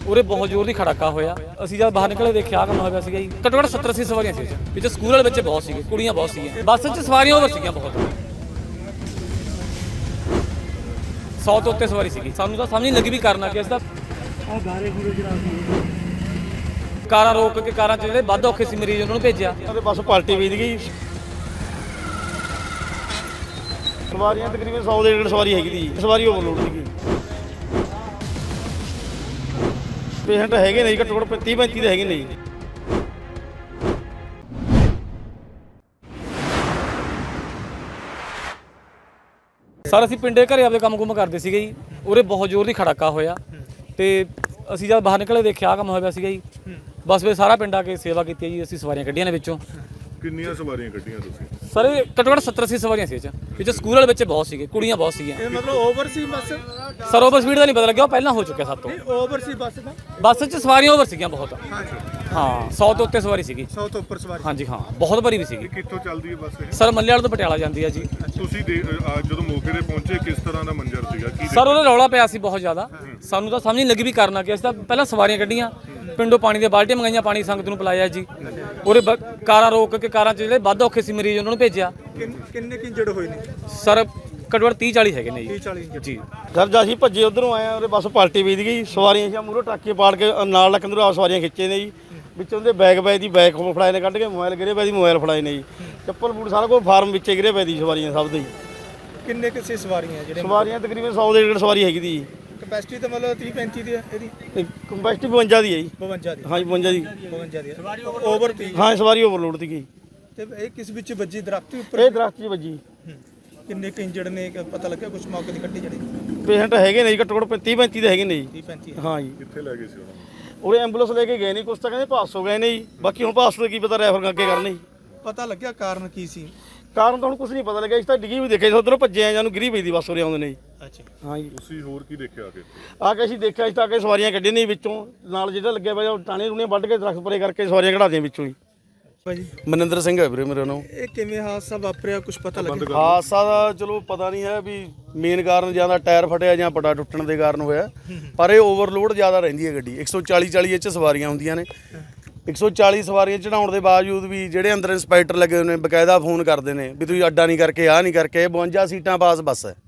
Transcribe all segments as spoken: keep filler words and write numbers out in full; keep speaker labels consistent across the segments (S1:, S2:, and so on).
S1: ਉਰੇ ਬਹੁਤ ਜ਼ੋਰ ਦੀ ਖੜਾਕਾ ਹੋਇਆ। ਅਸੀਂ ਜਦ ਬਾਹਰ ਨਿਕਲੇ ਦੇਖਿਆ ਕੰਮ ਹੋਇਆ ਸੀਗਾ ਜੀ। ਘੱਟੋ ਘੱਟ ਸੱਤਰ ਅੱਸੀ ਸਵਾਰੀਆਂ ਸੀ ਵਿੱਚ, ਸਕੂਲ ਵਾਲੇ ਬੱਚੇ ਬਹੁਤ ਸੀਗੇ, ਕੁੜੀਆਂ ਬਹੁਤ ਸੀਗੀਆਂ। ਬੱਸ 'ਚ ਸਵਾਰੀਆਂ ਓਵਰ ਸੀਗੀਆਂ ਬਹੁਤ, ਸੌ ਤੋਂ ਉੱਤੇ ਸਵਾਰੀ ਸੀਗੀ। ਸਾਨੂੰ ਤਾਂ ਸਮਝ ਨਹੀਂ ਲੱਗੀ ਵੀ ਕਰਨਾ ਕੀ। ਅਸੀਂ ਤਾਂ ਕਾਰਾਂ ਰੋਕ ਕੇ, ਕਾਰਾਂ 'ਚ ਜਿਹੜੇ ਵੱਧ ਔਖੇ ਸੀ ਮਰੀਜ਼ ਉਹਨਾਂ ਨੂੰ ਭੇਜਿਆ।
S2: ਉਹਦੇ ਬੱਸ ਪਲਟੀ ਵੀਦ ਗਈ। ਸਵਾਰੀਆਂ ਤਕਰੀਬਨ ਸੌ ਦੇ ਡੇਢ ਸਵਾਰੀ ਹੈਗੀ ਦੀ, ਸਵਾਰੀ ਓਵਰਲੋਡ ਸੀਗੀ। ਪੇਸ਼ੈਂਟ ਹੈਗੇ ਨੇ ਜੀ, ਘੱਟੋ ਘੱਟ ਤੀਹ ਪੈਂਤੀ ਦੇ ਹੈਗੇ ਨੇ ਜੀ।
S1: ਸਰ ਅਸੀਂ ਪਿੰਡੇ ਘਰੇ ਆਪਦੇ ਕੰਮ ਕੁੰਮ ਕਰਦੇ ਸੀਗੇ ਜੀ। ਉਰੇ ਬਹੁਤ ਜ਼ੋਰ ਦੀ ਖੜਾਕਾ ਹੋਇਆ ਤੇ ਅਸੀਂ ਜਦ ਬਾਹਰ ਨਿਕਲੇ ਦੇਖਿਆ ਕੰਮ ਹੋਇਆ ਸੀਗਾ ਜੀ। ਬਸ ਫਿਰ ਸਾਰਾ ਪਿੰਡ ਆ ਕੇ ਸੇਵਾ ਕੀਤੀ ਜੀ। ਅਸੀਂ ਸਵਾਰੀਆਂ ਕੱਢੀਆਂ ਨੇ ਵਿੱਚੋਂ।
S3: ਕਿੰਨੀਆਂ ਸਵਾਰੀਆਂ ਕੱਢੀਆਂ ਤੁਸੀਂ?
S1: ਸਰ ਇਹ ਘੱਟੋ ਘੱਟ ਸੱਤਰ ਅੱਸੀ ਸਵਾਰੀਆਂ ਸੀ ਵਿੱਚ, ਵਿੱਚ ਸਕੂਲ ਵਾਲੇ ਬੱਚੇ ਬਹੁਤ ਸੀਗੇ, ਕੁੜੀਆਂ ਬਹੁਤ ਸੀਗੀਆਂ।
S4: ਇਹ ਮਤਲਬ ਓਵਰ ਸੀ ਬੱਸ?
S1: ਸਰ ਓਵਰ ਸਪੀਡ ਦਾ ਨਹੀਂ ਪਤਾ ਲੱਗਿਆ, ਉਹ ਪਹਿਲਾਂ ਹੋ ਚੁੱਕਿਆ ਸਭ ਤੋਂ।
S4: ਓਵਰ ਸੀ ਬੱਸ ਦਾ?
S1: ਬੱਸ 'ਚ ਸਵਾਰੀਆਂ ਓਵਰ ਸੀਗੀਆਂ ਬਹੁਤ।
S4: ਹਾਂਜੀ
S1: ਹਾਂ, ਸੌ ਤੋਂ ਉੱਤੇ ਸਵਾਰੀ ਸੀਗੀ।
S4: ਸੌ ਤੋਂ ਉੱਪਰ ਸਵਾਰੀ?
S1: ਹਾਂਜੀ ਹਾਂ, ਬਹੁਤ ਭਰੀ ਵੀ ਸੀਗੀ।
S3: ਕਿੱਥੋਂ ਚੱਲਦੀ ਹੈ ਬੱਸ ਇਹ?
S1: ਸਰ ਮੱਲੇ ਵਾਲੇ ਤੋਂ ਪਟਿਆਲਾ ਜਾਂਦੀ ਹੈ ਜੀ।
S3: ਤੁਸੀਂ ਦੇ- ਅਹ ਜਦੋਂ ਮੌਕੇ ਤੇ ਪਹੁੰਚੇ ਕਿਸ ਤਰ੍ਹਾਂ ਦਾ ਮੰਜ਼ਰ ਸੀਗਾ? ਕੀ
S1: ਸਰ ਉਹਦਾ ਰੌਲਾ ਪਿਆ ਸੀ ਬਹੁਤ ਜ਼ਿਆਦਾ। ਸਾਨੂੰ ਤਾਂ ਸਮਝ ਨਹੀਂ ਲੱਗੀ ਵੀ ਕਰਨਾ ਕੀ। ਅਸੀਂ ਤਾਂ ਪਹਿਲਾਂ ਸਵਾਰੀਆਂ ਕੱਢੀਆਂ, ਪਿੰਡੋਂ ਪਾਣੀ ਦੀਆਂ ਬਾਲਟੀਆਂ ਮੰਗਾਈਆਂ, ਪਾਣੀ ਸੰਗਤ ਨੂੰ ਪਿਲਾਇਆ ਜੀ। ਉਹਦੇ ਕਾਰਾਂ ਰੋਕ ਕੇ, ਕਾਰਾਂ 'ਚ ਜਿਹੜੇ ਵੱਧ ਔਖੇ ਸੀ ਮਰੀਜ਼ ਉਹਨਾਂ ਨੂੰ ਭੇਜਿਆ।
S4: ਕਿੰਨੇ ਕਿ ਇੰਜਰਡ ਹੋਏ ਨੇ
S1: ਸਰ ਘੱਟੋ ਘੱਟ ਤੀਹ ਚਾਲੀ ਹੈਗੇ ਨੇ ਜੀ।
S4: ਤੀਹ ਚਾਲੀ ਇੰਜਰਡ
S1: ਜੀ
S2: ਸਰ ਜਦ ਅਸੀਂ ਭੱਜੇ ਉਧਰੋਂ ਆਏ ਆ, ਉਹਦੇ ਬੱਸ ਪਲਟੀ ਵੀਦ ਗਈ। ਸਵਾਰੀਆਂ ਸੀ ਮੂਹਰੋਂ ਟਰੱਕੇ ਪਾੜ ਕੇ ਨਾਲ ਲੱਕੰਦਰੋਂ ਆਪ ਸਵਾਰੀਆਂ ਖਿੱਚੇ ਨੇ ਜੀ। ਵਿੱਚੋਂ ਦੇ ਬੈਗ ਬੈਗ ਦੀ ਬੈਗ ਫੜਾਏ ਨੇ ਕੱਢ ਕੇ, ਮੋਬਾਈਲ ਗਿਰੇ ਪਏ ਦੀ ਮੋਬਾਈਲ ਫੜਾਏ ਨੇ ਜੀ। ਚੱਪਲ ਬੂਟ ਸਾਰਾ ਕੁਝ ਫਾਰਮ ਵਿੱਚੇ ਗਿਰੇ ਪਏ ਦੀ ਸਵਾਰੀਆਂ ਸਭ ਦੇ ਜੀ।
S4: ਕਿੰਨੇ ਕਿਸੇ ਸਵਾਰੀਆਂ ਜਿਹੜੇ?
S2: ਸਵਾਰੀਆਂ ਤਕਰੀਬਨ ਸੌ ਦੇ ਡੇਢ ਸਵਾਰੀ ਹੈਗੀ ਦੀ।
S4: ਕਪੈਸਿਟੀ ਤਾਂ ਮਤਲਬ ਤੀਹ ਪੈਂਤੀ ਦੀ ਹੈ ਇਹਦੀ?
S2: ਕੰਪੈਸਿਟੀ ਬਵੰਜਾ ਦੀ ਹੈ ਜੀ।
S4: ਬਵੰਜਾ ਦੀ?
S2: ਹਾਂਜੀ ਬਵੰਜਾ ਦੀ।
S4: ਬਵੰਜਾ ਦੀ ਓਵਰ ਤੀ?
S2: ਹਾਂ ਸਵਾਰੀ ਓਵਰਲੋਡ ਸੀਗੀ।
S4: ਤੇ ਇਹ ਕਿਸ ਵਿੱਚ ਵੱਜੀ? ਦਰਖਤ ਦੇ ਉੱਪਰ?
S2: ਇਹ ਦਰਖਤ 'ਚ ਵੱਜੀ।
S4: ਕਿੰਨੇ ਕਿ ਇੰਜਰਡ ਨੇ ਪਤਾ ਲੱਗਿਆ ਕੁਝ? ਮੌਕੇ ਦੀ ਕੱਟੀ ਜਿਹੜੀ
S2: ਪੇਸ਼ੈਂਟ ਹੈਗੇ ਨੇ ਜੀ, ਘੱਟੋ ਘੱਟ ਤੀਹ ਪੈਂਤੀ ਦੇ ਹੈਗੇ ਨੇ ਜੀ।
S4: ਤੀਹ ਪੈਂਤੀ?
S2: ਹਾਂ ਜੀ।
S3: ਕਿੱਥੇ ਲੈ ਗਏ ਸੀ ਉਹਨਾਂ ਨੂੰ?
S2: ਉਰੇ ਐਂਬੂਲੈਂਸ ਲੈ ਕੇ ਗਏ ਨਹੀਂ, ਕੁਛ ਤਾਂ ਕਹਿੰਦੇ ਪਾਸ ਹੋ ਗਏ ਨੇ ਜੀ। ਬਾਕੀ ਹੁਣ ਪਾਸ ਤੋਂ ਕੀ ਪਤਾ ਰੈਫਰ ਅੱਗੇ ਕਰਨੇ ਜੀ।
S4: ਪਤਾ ਲੱਗਿਆ ਕਾਰਨ ਕੀ ਸੀ?
S2: ਕਾਰਨ ਤਾਂ ਹੁਣ ਕੁਝ ਨਹੀਂ ਪਤਾ ਲੱਗਿਆ। ਇਸ ਤਾਂ ਡਿੱਗੀ ਵੀ ਦੇਖਿਆ, ਉਧਰੋਂ ਭੱਜੇ ਆ, ਜਾਨੂੰ ਗਿਰੀ ਪਈ ਦੀ ਬੱਸ ਉਰੇ ਆਉਂਦੇ ਨੇ ਜੀ।
S4: ਅੱਛਾ
S2: ਹਾਂ ਜੀ।
S3: ਤੁਸੀਂ ਹੋਰ ਕੀ ਦੇਖਿਆ ਆ ਕੇ?
S2: ਆ ਕੇ ਅਸੀਂ ਦੇਖਿਆ, ਇਸ ਤਾਂ ਆ ਕੇ ਸਵਾਰੀਆਂ ਕੱਢੀਆਂ ਨੇ ਵਿੱਚੋਂ, ਨਾਲ ਜਿਹੜਾ ਲੱਗਿਆ ਪਿਆ ਉਹ ਟਾਣੇ ਰੂਣੇ ਵੱਢ ਕੇ ਦਰਖਤ ਪਰੇ ਕਰਕੇ ਸਵਾਰੀਆਂ ਕਢਾਦੀਆਂ ਵਿੱਚੋਂ ਜੀ।
S4: ਭਾਜੀ
S2: ਮਨਿੰਦਰ ਸਿੰਘ ਹੈ ਵੀਰੇ ਮੇਰਾ ਨਾਮ।
S4: ਇਹ ਕਿਵੇਂ ਹਾਦਸਾ ਵਾਪਰਿਆ, ਕੁਝ ਪਤਾ ਲੱਗਿਆ?
S2: ਹਾਦਸਾ ਦਾ ਚਲੋ ਪਤਾ ਨਹੀਂ ਹੈ ਵੀ ਮੇਨ ਕਾਰਨ ਜਾਂ ਤਾਂ ਟਾਇਰ ਫਟਿਆ ਜਾਂ ਪਟਾ ਟੁੱਟਣ ਦੇ ਕਾਰਨ ਹੋਇਆ, ਪਰ ਇਹ ਓਵਰਲੋਡ ਜ਼ਿਆਦਾ ਰਹਿੰਦੀ ਹੈ ਗੱਡੀ। ਇੱਕ ਸੌ ਚਾਲੀ ਚਾਲੀ ਇਹ 'ਚ ਸਵਾਰੀਆਂ ਹੁੰਦੀਆਂ ਨੇ। ਇੱਕ ਸੌ ਚਾਲੀ ਸਵਾਰੀਆਂ ਚੜਾਉਣ ਦੇ ਬਾਵਜੂਦ ਵੀ ਜਿਹੜੇ ਅੰਦਰ ਇੰਸਪੈਕਟਰ ਲੱਗੇ ਹੋਏ ਨੇ ਬਕਾਇਦਾ ਫੋਨ ਕਰਦੇ ਨੇ ਵੀ ਤੁਸੀਂ ਅੱਡਾ ਨਹੀਂ ਕਰਕੇ ਆਹ ਨਹੀਂ ਕਰਕੇ। ਇਹ ਬਵੰਜਾ ਸੀਟਾਂ ਪਾਸ ਬੱਸ ਹੈ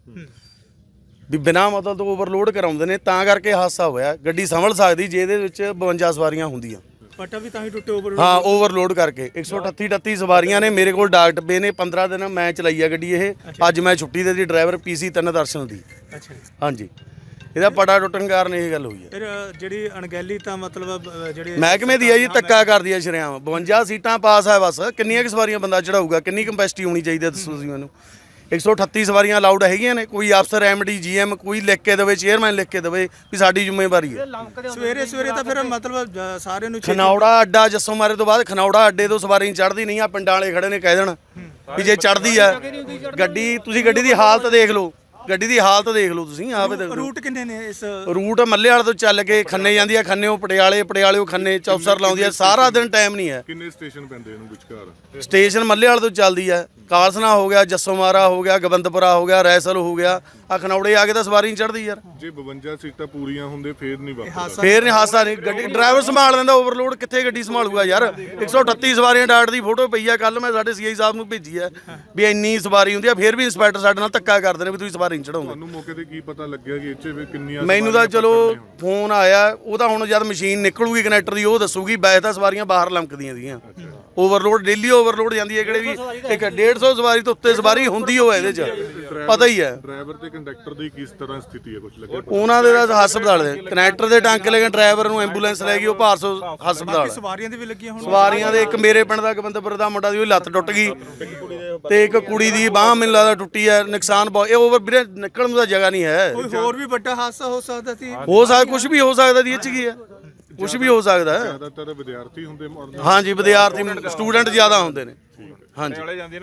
S2: ਵੀ ਬਿਨਾਂ ਮਤਲਬ ਤੋਂ ਓਵਰਲੋਡ ਕਰਾਉਂਦੇ ਨੇ, ਤਾਂ ਕਰਕੇ ਹਾਦਸਾ ਹੋਇਆ। ਗੱਡੀ ਸੰਭਲ ਸਕਦੀ ਜੇ ਇਹਦੇ ਵਿੱਚ ਬਵੰਜਾ ਸਵਾਰੀਆਂ ਹੁੰਦੀਆਂ।
S4: ਪਟਾ ਵੀ ਤਾਂ ਹੀ ਟੁੱਟੇ ਓਵਰ?
S2: ਹਾਂ ਓਵਰਲੋਡ ਕਰਕੇ। ਇੱਕ ਸੌ ਅਠੱਤੀ ਅਠੱਤੀ ਸਵਾਰੀਆਂ ਨੇ। ਮੇਰੇ ਕੋਲ ਡਾਕ ਡੱਬੇ ਨੇ। ਪੰਦਰਾਂ ਦਿਨ ਮੈਂ ਚਲਾਈ ਆ ਗੱਡੀ ਇਹ। ਅੱਜ ਮੈਂ ਛੁੱਟੀ ਦੇ ਦੀ ਡਰਾਈਵਰ ਪੀਸੀ ਤਿੰਨ ਦਰਸ਼ਨ ਦੀ।
S4: ਅੱਛਾ ਜੀ।
S2: ਹਾਂਜੀ, ਇਹਦਾ ਪਟਾ ਟੁੱਟਣ ਕਾਰਨ ਇਹ ਗੱਲ ਹੋਈ ਹੈ।
S4: ਫਿਰ ਜਿਹੜੀ ਅਣਗਹਿਲੀ ਤਾਂ ਮਤਲਬ ਜਿਹੜੇ
S2: ਮਹਿਕਮੇ ਦੀ ਹੈ ਜੀ, ਧੱਕਾ ਕਰਦੀ ਹੈ ਸ਼ਰੇਆਮ। ਬਵੰਜਾ ਸੀਟਾਂ ਪਾਸ ਹੈ ਬੱਸ, ਕਿੰਨੀਆਂ ਕੁ ਸਵਾਰੀਆਂ ਬੰਦਾ ਚੜਾਊਗਾ? ਕਿੰਨੀ ਕੰਪੈਸਿਟੀ ਹੋਣੀ ਚਾਹੀਦੀ ਹੈ ਦੱਸੋ ਤੁਸੀਂ ਮੈਨੂੰ। ਇੱਕ ਸੌ ਅਠੱਤੀ ਸਵਾਰੀਆਂ ਅਲਾਉਡ ਹੈਗੀਆਂ ਨੇ। ਕੋਈ ਅਫਸਰ ਐਮਡੀ ਜੀਐਮ ਕੋਈ ਲਿਖ ਕੇ ਦੇਵੇ, ਚੇਅਰਮੈਨ ਲਿਖ ਕੇ ਦੇਵੇ ਵੀ ਸਾਡੀ ਜ਼ਿੰਮੇਵਾਰੀ ਹੈ।
S4: ਸਵੇਰੇ ਸਵੇਰੇ ਤਾਂ ਫਿਰ ਮਤਲਬ ਸਾਰਿਆਂ ਨੂੰ
S2: ਖਨੌੜਾ ਅੱਡਾ ਜੱਸੋ ਮਾਰੇ ਤੋਂ ਬਾਅਦ ਖਨੌੜਾ ਅੱਡੇ ਤੋਂ ਸਵਾਰੀ ਚੜ੍ਹਦੀ ਨਹੀਂ ਆ। ਪਿੰਡਾਂ ਵਾਲੇ ਖੜੇ ਨੇ ਕਹਿ ਦੇਣ ਵੀ ਜੇ ਚੜ੍ਹਦੀ ਆ ਗੱਡੀ, ਤੁਸੀਂ ਗੱਡੀ ਦੀ ਹਾਲਤ ਦੇਖ ਲਓ। ਗੱਡੀ ਦੀ ਹਾਲਤ ਦੇਖ ਲਓ ਤੁਸੀਂ ਆਪੇ ਦੇਖ ਲਓ।
S4: ਰੂਟ ਕਿੰਨੇ ਨੇ ਇਸ?
S2: ਰੂਟ ਮੱਲੇ ਵਾਲੇ ਤੋਂ ਚੱਲ ਕੇ ਖੰਨੇ ਜਾਂਦੀ ਆ, ਖੰਨੇ ਉਹ ਪਟਿਆਲੇ, ਪਟਿਆਲੇ ਉਹ ਖੰਨੇ ਚੌਪਸਰ ਲਾਉਂਦੀ ਆ। ਸਾਰਾ ਦਿਨ ਟਾਈਮ ਨਹੀਂ ਹੈ।
S3: ਕਿੰਨੇ ਸਟੇਸ਼ਨ ਪੈਂਦੇ ਇਹਨੂੰ ਵਿਚਕਾਰ?
S2: ਸਟੇਸ਼ਨ ਮੱਲੇ ਵਾਲੇ ਤੋਂ ਚੱਲਦੀ ਆ, ਕਾਲਸਨਾ ਹੋ ਗਿਆ, ਜੱਸੋ ਮਾਰਾ ਹੋ ਗਿਆ, ਗੋਬਿੰਦਪੁਰਾ ਹੋ ਗਿਆ, ਰੈਸਲ ਹੋ ਗਿਆ। ਆ ਖਨੌੜੇ ਆ ਕੇ ਤਾਂ ਸਵਾਰੀ ਨਹੀਂ ਚੜ੍ਹਦੀ ਯਾਰ।
S3: ਜੇ ਬਵੰਜਾ ਸੀਟਾਂ ਪੂਰੀਆਂ ਹੁੰਦੇ ਫੇਰ ਨਹੀਂ ਵਾਪਰਦਾ?
S2: ਫੇਰ ਨਹੀਂ ਹਾਦਸਾ ਨਹੀਂ। ਗੱਡੀ ਡਰਾਈਵਰ ਸੰਭਾਲ ਲੈਂਦਾ, ਓਵਰਲੋਡ ਕਿੱਥੇ ਗੱਡੀ ਸੰਭਾਲੂਗਾ ਯਾਰ। ਇੱਕ ਸੌ ਅਠੱਤੀ ਸਵਾਰੀਆਂ ਡਾਟ ਦੀ ਫੋਟੋ ਪਈ ਆ, ਕੱਲ ਮੈਂ ਸਾਡੇ ਸੀਆਈ ਸਾਹਿਬ ਨੂੰ ਭੇਜੀ ਆ ਵੀ ਇੰਨੀ ਸਵਾਰੀ ਹੁੰਦੀ ਆ। ਫੇਰ ਵੀ ਇੰਸਪੈਕਟਰ ਸਾਡੇ ਨਾਲ ਧੱਕਾ ਕਰਦੇ ਨੇ ਵੀ ਤੁਸੀਂ ਸਵਾਰੀ ਨਹੀਂ ਚੜਾਉਂਦੇ।
S3: ਤੁਹਾਨੂੰ ਮੌਕੇ ਤੇ ਕੀ ਪਤਾ ਲੱਗਿਆ ਕਿ ਇੱਥੇ ਵੀ ਕਿੰਨੀਆਂ?
S2: ਮੈਨੂੰ ਤਾਂ ਚਲੋ ਫੋਨ ਆਇਆ, ਉਹ ਤਾਂ ਹੁਣ ਜਦ ਮਸ਼ੀਨ ਨਿਕਲੂਗੀ ਕਨੈਕਟਰ ਦੀ ਉਹ ਦੱਸੂਗੀ। ਵੈਸੇ ਤਾਂ ਸਵਾਰੀਆਂ ਬਾਹਰ ਲੰਕਦੀਆਂ ਸੀਗੀਆਂ। ਓਵਰਲੋਡ ਡੇਲੀ ਓਵਰਲੋਡ ਜਾਂਦੀ ਹੈ। ਕਿਹੜੇ ਵੀ ਇੱਕ ਡੇਢ ਸੌ ਸਵਾਰੀ ਤੋਂ ਉੱਤੇ ਸਵਾਰੀ ਹੁੰਦੀ ਹੋਵੇ ਇਹਦੇ 'ਚ, ਪਤਾ ਹੀ ਹੈ।
S3: ਡਰਾਈਵਰ ਤੇ ਕੰਡਕਟਰ ਦੀ ਕਿਸ ਤਰ੍ਹਾਂ ਸਥਿਤੀ ਹੈ, ਕੁਝ ਲੱਗਿਆ?
S2: ਉਹਨਾਂ ਦੇ ਤਾਂ ਹਸਪਤਾਲ ਦੇ ਕਨੈਕਟਰ ਦੇ ਟਾਂਕੇ ਲੈ ਕੇ ਡਰਾਈਵਰ ਨੂੰ ਐਂਬੂਲੈਂਸ ਲੈ ਗਈ, ਉਹ ਭਾਰਸੋ ਹਸਪਤਾਲ।
S4: ਸਵਾਰੀਆਂ ਦੇ ਵੀ ਲੱਗੀਆਂ ਹੁਣ?
S2: ਸਵਾਰੀਆਂ ਦੇ ਇੱਕ ਮੇਰੇ ਪਿੰਡ ਦਾ ਗੋਬਿੰਦਪੁਰ ਦਾ ਮੁੰਡਾ ਦੀ ਉਹ ਲੱਤ ਟੁੱਟ ਗਈ ਤੇ ਇੱਕ ਕੁੜੀ ਦੀ ਬਾਂਹ ਮੈਨੂੰ ਲੱਗਦਾ ਟੁੱਟੀ ਹੈ। ਨੁਕਸਾਨ ਬਹੁਤ। ਇਹ ਓਵਰ ਵੀਰੇ ਨਿਕਲਣ ਨੂੰ ਤਾਂ ਜਗ੍ਹਾ ਨਹੀਂ ਹੈ।
S4: ਕੋਈ ਹੋਰ ਵੀ ਵੱਡਾ ਹਾਦਸਾ ਹੋ ਸਕਦਾ ਸੀ?
S2: ਹੋ ਸਕਦਾ, ਕੁਝ ਵੀ ਹੋ ਸਕਦਾ ਦੀ ਇਹ 'ਚ ਕੀ ਹੈ, ਕੁਝ ਵੀ ਹੋ ਸਕਦਾ ਹੈ।
S3: ਜ਼ਿਆਦਾਤਰ ਵਿਦਿਆਰਥੀ ਹੁੰਦੇ?
S2: ਹਾਂਜੀ ਵਿਦਿਆਰਥੀ ਸਟੂਡੈਂਟ ਜ਼ਿਆਦਾ ਹੁੰਦੇ ਨੇ। ਹਾਂਜੀ।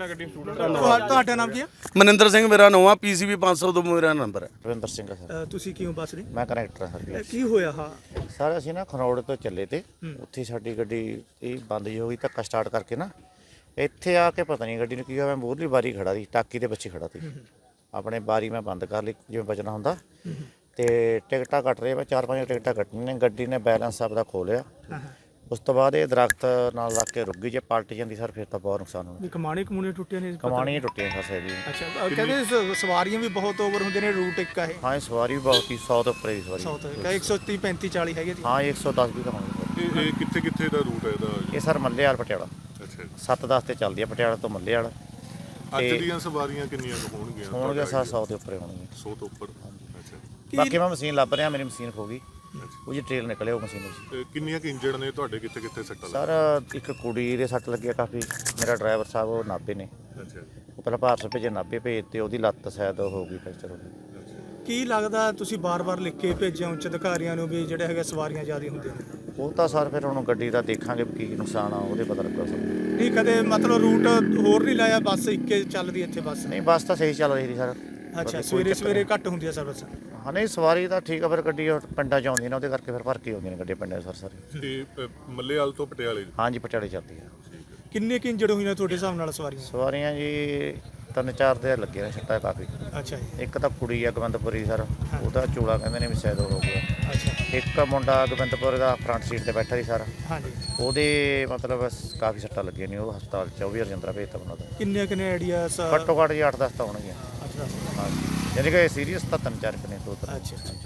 S4: ਤੁਹਾਡਾ ਨਾਮ ਕੀ ਹੈ?
S2: ਮਨਿੰਦਰ ਸਿੰਘ ਮੇਰਾ ਨਾਮ ਆ। ਪੀਸੀਬੀ ਪੰਜ ਸੌ ਤੋਂ ਮੇਰਾ ਨੰਬਰ ਹੈ।
S5: ਰਵਿੰਦਰ ਸਿੰਘ ਸਰ।
S4: ਤੁਸੀਂ ਕਿਉਂ ਬੱਸ ਰਹੇ?
S5: ਮੈਂ ਕਨੈਕਟਰ ਹਾਂ ਸਰ।
S4: ਕੀ ਹੋਇਆ? ਹਾਂ
S5: ਸਰ ਅਸੀਂ ਨਾ ਖਰੋੜ ਤੋਂ ਚੱਲੇ ਤੇ ਉੱਥੇ ਸਾਡੀ ਗੱਡੀ ਇਹ ਬੰਦ ਜਿਹੀ ਹੋ ਗਈ, ਧੱਕਾ ਸਟਾਰਟ ਕਰਕੇ ਨਾ ਇੱਥੇ ਆ ਕੇ ਪਤਾ ਨਹੀਂ ਗੱਡੀ ਨੂੰ ਕੀ ਹੋਇਆ। ਮੈਂ ਮੂਹਰਲੀ ਬਾਰੀ ਖੜਾ ਸੀ, ਟਾਕੀ ਦੇ ਪਿੱਛੇ ਖੜਾ ਸੀ। ਆਪਣੇ ਬਾਰੀ ਮੈਂ ਬੰਦ ਕਰ ਲਈ ਜਿਵੇਂ ਬਚਣਾ ਹੁੰਦਾ। ਤੇ ਟਿਕਟਾਂ ਕੱਟ ਰਹੇ ਵਾ, ਚਾਰ ਪੰਜ ਟਿਕਟਾਂ ਕੱਟਣੀਆਂ ਨੇ। ਗੱਡੀ ਨੇ ਬੈਲੈਂਸ ਆਪਦਾ ਖੋ ਲਿਆ। ਉਸ ਤੋਂ ਬਾਅਦ ਇਹ ਦਰਖਤ ਨਾਲ ਲੱਗ ਕੇ ਰੁਕ ਗਈ। ਜੇ ਪਲਟ ਜਾਂਦੀ ਸਰ ਫਿਰ ਤਾਂ ਬਹੁਤ ਨੁਕਸਾਨ ਹੋਣਾ।
S4: ਵੀ ਕਮਾਣੇ ਕਮੂਣੇ ਟੁੱਟੇ ਨੇ?
S5: ਕਮਾਣੀਆਂ ਟੁੱਟੀਆਂ ਫਸੇ ਦੀ।
S4: ਅੱਛਾ, ਅ, ਕਹਿੰਦੇ ਸ- ਸਵਾਰੀਆਂ ਵੀ ਬਹੁਤ ਓਵਰ ਹੁੰਦੇ ਨੇ, ਰੂਟ ਇੱਕ ਆ ਇਹ
S5: ਹਾਂ ਇਹ ਸਵਾਰੀ ਵੀ ਬਹੁਤ ਹੀ ਸੌ ਤੋਂ ਉੱਪਰ ਦੀ ਸਵਾਰੀ।
S4: ਸਾਊਥ ਕਹੇ ਇੱਕ ਸੌ ਤੀਹ ਪੈਂਤੀ ਚਾਲੀ ਹੈਗੇ ਜੀ।
S5: ਹਾਂ ਇਹ ਇੱਕ ਸੌ ਦਸ ਵੀ ਤਾਂ ਹੋਣੀ।
S3: ਇਹ ਇਹ ਕਿੱਥੇ ਕਿੱਥੇ ਦਾ ਰੂਟ ਹੈ ਇਹਦਾ?
S5: ਇਹ ਸਰ ਮੱਲੇ ਵਾਲ ਪਟਿਆਲਾ
S3: ਅੱਛਾ ਜੀ।
S5: ਸੱਤ ਦਸ ਤੇ ਚੱਲਦੀ ਆ, ਪਟਿਆਲਾ ਤੋਂ ਮੱਲੇ ਵਾਲਾ।
S3: ਅੱਜ ਦੀਆਂ ਸਵਾਰੀਆਂ ਕਿੰਨੀਆਂ ਕੁ ਹੋਣਗੀਆਂ?
S5: ਹੋਣਗੇ ਸਰ ਸੌ ਦੇ ਉੱਪਰ ਹੋਣਗੇ।
S3: ਸੌ ਤੋਂ ਉੱਪਰ। ਅੱਛਾ।
S5: ਬਾਕੀ ਮੈਂ ਮਸ਼ੀਨ ਲੱਭ ਰਿਹਾ, ਮੇਰੀ ਮਸ਼ੀਨ ਖੋ ਗਈ। ਉਹ ਜੀ ਟ੍ਰੇਲ ਨਿਕਲੇ ਉਹ ਮਸ਼ੀਨ ਵਿੱਚ।
S3: ਤੇ ਕਿੰਨੀਆਂ ਕੁ ਇੰਜਰਡ ਨੇ ਤੁਹਾਡੇ? ਕਿੱਥੇ ਕਿੱਥੇ ਸੱਟਾਂ
S5: ਸਰ ਇੱਕ ਕੁੜੀ ਦੇ ਸੱਟ ਲੱਗਿਆ ਕਾਫੀ। ਮੇਰਾ ਡਰਾਈਵਰ ਸਾਹਿਬ ਉਹ ਨਾਭੇ ਨੇ,
S3: ਲੱਗੀਆਂ? ਅੱਛਾ ਜੀ।
S5: ਉਹ ਪਹਿਲਾਂ ਭਾਰਤ ਭੇਜੇ, ਨਾਭੇ ਭੇਜ ਤੇ ਉਹਦੀ ਲੱਤ ਸ਼ਾਇਦ ਹੋ ਗਈ ਫ੍ਰੈਕਚਰ ਹੋ ਗਈ।
S4: ਕੀ ਲੱਗਦਾ ਤੁਸੀਂ ਬਾਰ-ਬਾਰ ਲਿਖ ਕੇ ਭੇਜਿਆ ਉੱਚ ਅਧਿਕਾਰੀਆਂ ਨੂੰ ਵੀ ਜਿਹੜੇ ਹੈਗੇ ਸਵਾਰੀਆਂ ਜ਼ਿਆਦਾ ਹੁੰਦੀਆਂ ਨੇ?
S5: ਉਹ ਤਾਂ ਸਰ ਫਿਰ ਹੁਣ ਗੱਡੀ ਦਾ ਦੇਖਾਂਗੇ ਵੀ ਕੀ ਨੁਕਸਾਨ ਆ, ਉਹਦੇ ਪਤਾ ਲੱਗਾ ਸਰ।
S4: ਨਹੀਂ ਕਦੇ ਮਤਲਬ ਰੂਟ ਹੋਰ ਨਹੀਂ ਲਾਇਆ, ਬੱਸ ਇੱਕੇ ਚੱਲਦੀ ਇੱਥੇ ਬੱਸ?
S5: ਨਹੀਂ ਬੱਸ ਤਾਂ ਸਹੀ ਚੱਲ ਰਹੀ ਸੀ ਸਰ।
S4: ਅੱਛਾ, ਸਵੇਰੇ ਸਵੇਰੇ ਘੱਟ ਹੁੰਦੀ ਆ ਸਰਵਿਸ?
S5: ਹਾਂ ਨਹੀਂ ਸਵਾਰੀ ਤਾਂ ਠੀਕ ਆ, ਫਿਰ ਗੱਡੀ ਉਹ ਪਿੰਡਾਂ 'ਚ ਆਉਂਦੀ ਨੇ, ਉਹਦੇ ਕਰਕੇ ਫਿਰ ਭਰ ਕੇ ਆਉਂਦੀਆਂ ਨੇ ਗੱਡੀਆਂ ਪਿੰਡਾਂ 'ਚ ਸਰ ਸਾਰੇ।
S3: ਤੇ ਅ, ਮੱਲੇਵਾਲ ਤੋਂ ਪਟਿਆਲੇ?
S5: ਹਾਂਜੀ ਪਟਿਆਲੇ ਚੱਲਦੀ ਆ।
S4: ਕਿੰਨੇ ਕੁ ਇੰਜਰਡ ਹੋਈਆਂ ਤੁਹਾਡੇ ਹਿਸਾਬ ਨਾਲ ਸਵਾਰੀਆਂ?
S5: ਸਵਾਰੀਆਂ ਜੀ ਤਿੰਨ ਚਾਰ ਦੇ ਲੱਗੇ ਨੇ ਸੱਟਾਂ ਕਾਫੀ।
S4: ਅੱਛਾ ਜੀ।
S5: ਇੱਕ ਤਾਂ ਕੁੜੀ ਆ ਗੋਬਿੰਦਪੁਰੀ ਸਰ, ਉਹਦਾ ਚੋਲਾ ਕਹਿੰਦੇ ਨੇ ਵੀ ਸ਼ਾਇਦ ਉਹ ਹੋ ਗਿਆ।
S4: ਅੱਛਾ।
S5: ਇੱਕ ਮੁੰਡਾ ਗੋਬਿੰਦਪੁਰ ਦਾ ਫਰੰਟ ਸੀਟ ਤੇ ਬੈਠਾ ਸੀ ਸਰ,
S4: ਹਾਂਜੀ।
S5: ਉਹਦੇ ਮਤਲਬ ਕਾਫੀ ਸੱਟਾਂ ਲੱਗੀਆਂ ਨੇ। ਉਹ ਹਸਪਤਾਲ ਚ ਉਹ ਵੀ ਰਜਿੰਦਰਾ ਭੇਜਤਾ ਉਹਨਾਂ ਦਾ।
S4: ਕਿੰਨੇ ਕਿੰਨੇ ਆਈਡੀਆ?
S5: ਘੱਟੋ ਘੱਟ ਜੀ ਅੱਠ ਦਸ ਤਾਂ ਹੋਣਗੀਆਂ।
S4: ਅੱਛਾ
S5: ਹਾਂਜੀ ਯਾਨੀ ਕਿ ਸੀਰੀਅਸ ਤਾਂ ਤਿੰਨ ਚਾਰ ਕੁ ਨੇ ਦੋ ਤਿੰਨ।
S4: ਅੱਛਾ।